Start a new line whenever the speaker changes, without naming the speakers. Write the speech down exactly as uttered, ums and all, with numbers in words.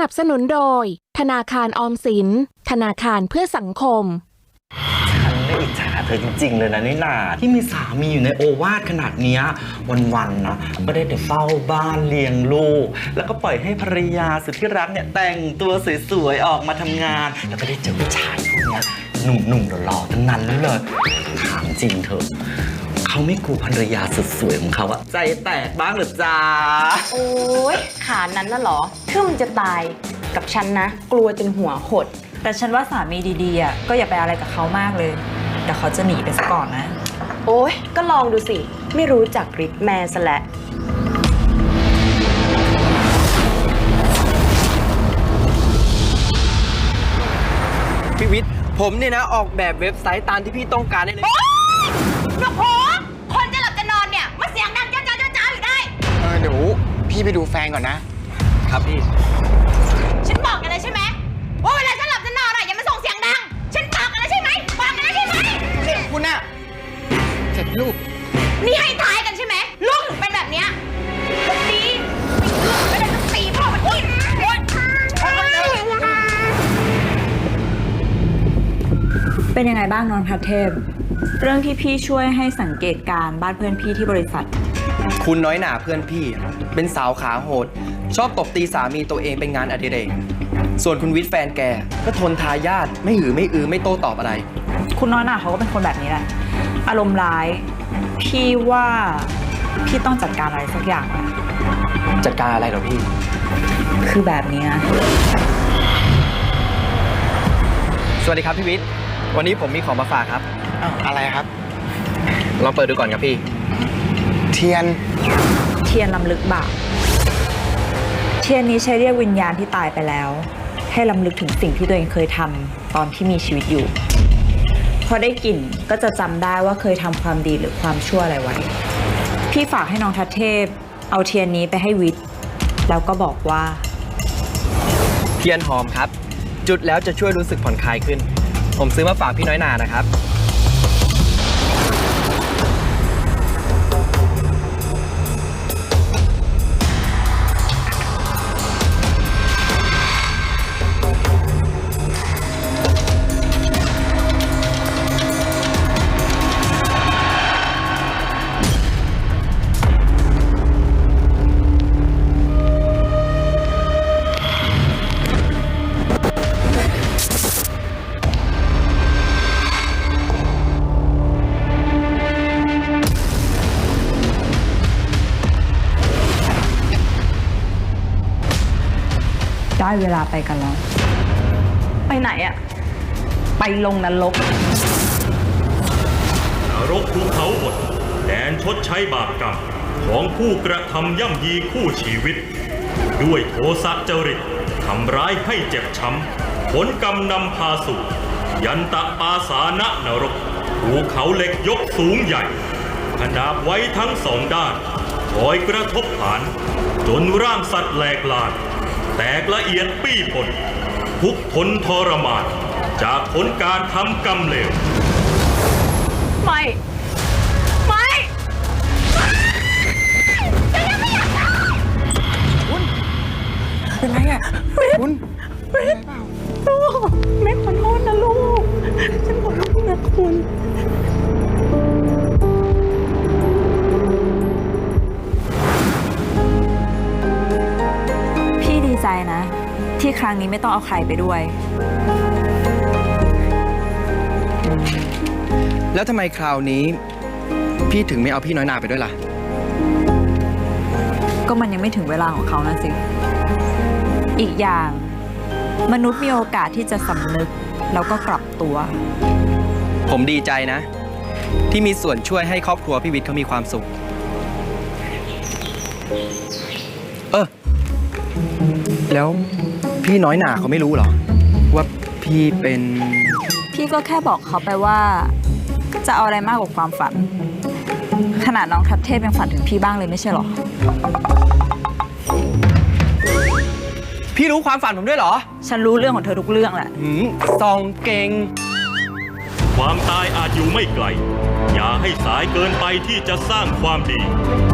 นับสนุนโดยธนาคารออมสินธนาคารเพื่อสังคม
ฉันไม่อิจฉาเธอจริงๆเลยนะนี่นาที่มีสามีอยู่ในโอวาทขนาดนี้วันๆนะก็ได้แต่เฝ้าบ้านเลี้ยงลูกแล้วก็ปล่อยให้ภรรยาสุดที่รักเนี่ยแต่งตัวสวยๆออกมาทำงานแล้วก็ได้เจอผู้ชายพวกนี้หนุ่มๆหล่อๆทั้งนั้นเลยถามจริงเถอะเขาไม่กลัวภรรยาสุดสวยของเขาอะใจแตกบ้างหรือจ้า
โอ๊ยขานั้นน่ะเหรอทึ่มจะตายกับฉันนะกลัวจนหัวหด
แต่ฉันว่าสามีดีๆอ่ะก็อย่าไปอะไรกับเขามากเลยเดี๋ยวเขาจะหนีไปซะก่อนนะ
โอ๊ยก็ลองดูสิไม่รู้จักฤทธิ์แม่ซะและ
พี่วิทย์ผมเนี่ยนะออกแบบเว็บไซต์ตามที่พี่ต้องการได้เลย
หนูโผคนจะหลับจะนอนเนี่ยมาเสียงดังจ้าจ้าจ้าอยู่ได้
เออเดี๋ยวพี่ไปดูแฟนก่อนนะครับ
พี่
ฉันบอกกันเลยใช่ไหมว่าเวลาฉันหลับจะนอนอะอย่ามาส่งเสียงดังฉันบอกกันแล้วใช่ไหมบอกกันแล้วใช่ไหม
คุณน่ะเจ็บลูก
นี่ให้ท้ายกันใช่ไหมลูกถึงเป็นแบบเนี้ยดีไม่ได้ต้องตีพ่อมันอีก
เป็นยังไงบ้างนนทเทพเรื่องที่พี่ช่วยให้สังเกตการบ้านเพื่อนพี่ที่บริษัท
คุณน้อยหน่าเพื่อนพี่เป็นสาวขาโหดชอบตบตีสามีตัวเองเป็นงานอดิเรกส่วนคุณวิทย์แฟนแกก็ทนทายาทไม่หือไม่อือไม่โต้ตอบอะไร
คุณน้อยหน่าเขาก็เป็นคนแบบนี้แหละอารมณ์ร้ายพี่ว่าพี่ต้องจัดการอะไรสักอย่างแหละ
จัดการอะไรเหรอพี่
คือแบบนี้นะ
สวัสดีครับพี่วิทย์วันนี้ผมมีของมาฝากครับ
อ้าวอะไรครับ
ลองเปิดดูก่อนครับพี่
เทียน
เทียนลำลึกบาปเทียนนี้ใช้เรียกวิญญาณที่ตายไปแล้วให้ลำลึกถึงสิ่งที่ตัวเองเคยทำตอนที่มีชีวิตอยู่พอได้กลิ่นก็จะจำได้ว่าเคยทำความดีหรือความชั่วอะไรไว้พี่ฝากให้น้องทัศเทพเอาเทียนนี้ไปให้วิทย์แล้วก็บอกว่า
เทียนหอมครับจุดแล้วจะช่วยรู้สึกผ่อนคลายขึ้นผมซื้อมาฝากพี่น้อยหน่านะครับ
ได้เวลาไปกันแล้วไปไหนอะไปลงนรก
นรกภูเขาบดแดนชดใช้บาปกรรมของผู้กระทำย่ำยีคู่ชีวิตด้วยโทสะจริตทำร้ายให้เจ็บช้ำผลกรรมนำพาสู่ยันตะปาสานะนรกภูเขาเหล็กยกสูงใหญ่ขนาบไว้ทั้งสองด้านคอยกระทบผ่านจนร่างสัตว์แหลกลานแตกละเอียดปี้ผลทุกทนทรมานจากผลการทำกรรมเลว
ไม่ไม่ฉันยังไม่อยากตาย
คุณเป็นไรอ่ะคุณ
เป็นไรเปล่าลูกแม่ขอโทษนะลูกฉันขอโทษนะคุณ
ใจนะที่ครั้งนี้ไม่ต้องเอาใครไปด้วย
แล้วทำไมคราวนี้พี่ถึงไม่เอาพี่น้อยหน่าไปด้วยล่ะ
ก็มันยังไม่ถึงเวลาของเขานะสิอีกอย่างมนุษย์มีโอกาสที่จะสำนึกแล้วก็กลับตัว
ผมดีใจนะที่มีส่วนช่วยให้ครอบครัวพี่วิทย์เขามีความสุขเออแล้วพี่น้อยหน่าเขาไม่รู้เหรอว่าพี่เป็น
พี่ก็แค่บอกเขาไปว่าจะเอาอะไรมากกว่าความฝันขนาดน้องทัศเทพยังฝันถึงพี่บ้างเลยไม่ใช่หรอ
พี่รู้ความฝันผมด้วยเหรอ
ฉันรู้เรื่องของเธอทุกเรื่องแหละ
หืมซองเก่ง
ความตายอาจอยู่ไม่ไกลอย่าให้สายเกินไปที่จะสร้างความดี